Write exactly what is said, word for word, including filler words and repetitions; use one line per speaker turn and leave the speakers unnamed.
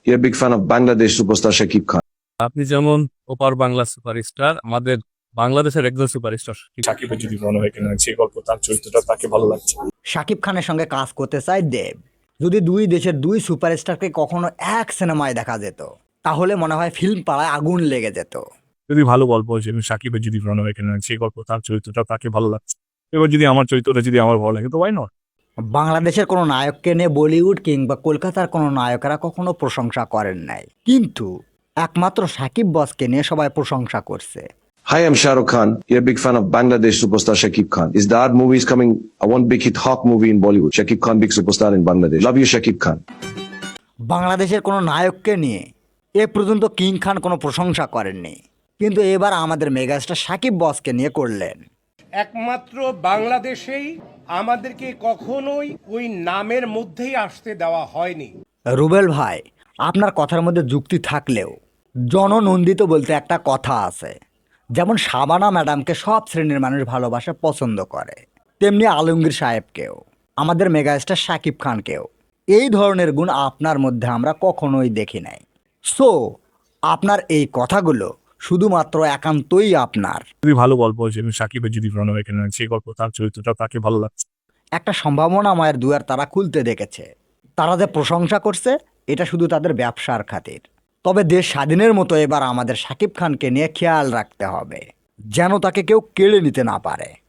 You're a big fan of Bangladesh superstar Shakib Khan.
আপনি যেমন ওপার বাংলা সুপারস্টার, আমাদের বাংলাদেশের একজন সুপারস্টার
সাকিবের যদি মনে হয় কিনা যে গল্প তার চরিত্রটা তাকে ভালো লাগছে।
শাকিব খানের সঙ্গে কাজ করতে চায় দেব। যদি দুই দেশের দুই সুপারস্টারকে কখনো এক সিনেমায় দেখা যেত তাহলে মনে হয় ফিল্ম পাড়ায় আগুন লেগে যেত।
যদি ভালো গল্প হয়েছে সাকিবের যদি মনে হয় কিনা যে গল্প তার চরিত্রটা তাকে ভালো লাগছে, এবার যদি আমার চরিত্রটা যদি আমার ভালো লাগে তো ওয়াই নট।
বাংলাদেশের কোনো নায়ককে নিয়ে বলিউড কিংবা কলকাতার কোনো নায়কেরা কখনো প্রশংসা করেন নাই, কিন্তু একমাত্র শাকিব বসকে নিয়ে সবাই প্রশংসা করছে।
Hi, I'm Shah Rukh Khan. You're a big fan of Bangladesh superstar Shakib Khan. Is the art movie is coming? I want big hit Hawk movie in Bollywood. Shakib Khan, big superstar in Bangladesh. Love you, Shakib Khan.
বাংলাদেশের কোনো নায়ককে নিয়ে এ পর্যন্ত king খান কোনো প্রশংসা করেননি, কিন্তু এবার আমাদের মেগাস্টার শাকিব বসকে নিয়ে করলেন।
একমাত্র বাংলাদেশেই আমাদেরকে কখনোই ওই নামের মধ্যেই আসতে দেওয়া হয়নি।
রুবেল ভাই, আপনার কথার মধ্যে যুক্তি থাকলেও জননন্দিত বলতে একটা কথা আছে। যেমন শাবানা ম্যাডামকে সব শ্রেণীর মানুষ ভালোবাসা পছন্দ করে, তেমনি আলমগীর সাহেবকেও, আমাদের মেগাস্টার শাকিব খানকেও। এই ধরনের গুণ আপনার মধ্যে আমরা কখনোই দেখি নাই। সো আপনার এই কথাগুলো শুধুমাত্র একান্তই আপনার।
যদি ভালো গল্প হয়েছে সাকিবের যদি মনে হয় কিনা যে গল্প তার চরিত্রটা তাকে ভালো লাগছে।
একটা সম্ভাবনাময়ের দুয়ার তারা খুলতে দেখেছে। তারা যে প্রশংসা করছে এটা শুধু তাদের ব্যবসার খাতির। তবে দেশ স্বাধীনের মতো এবার আমাদের শাকিব খানকে নিয়ে খেয়াল রাখতে হবে, যেন তাকে কেউ কেড়ে নিতে না পারে।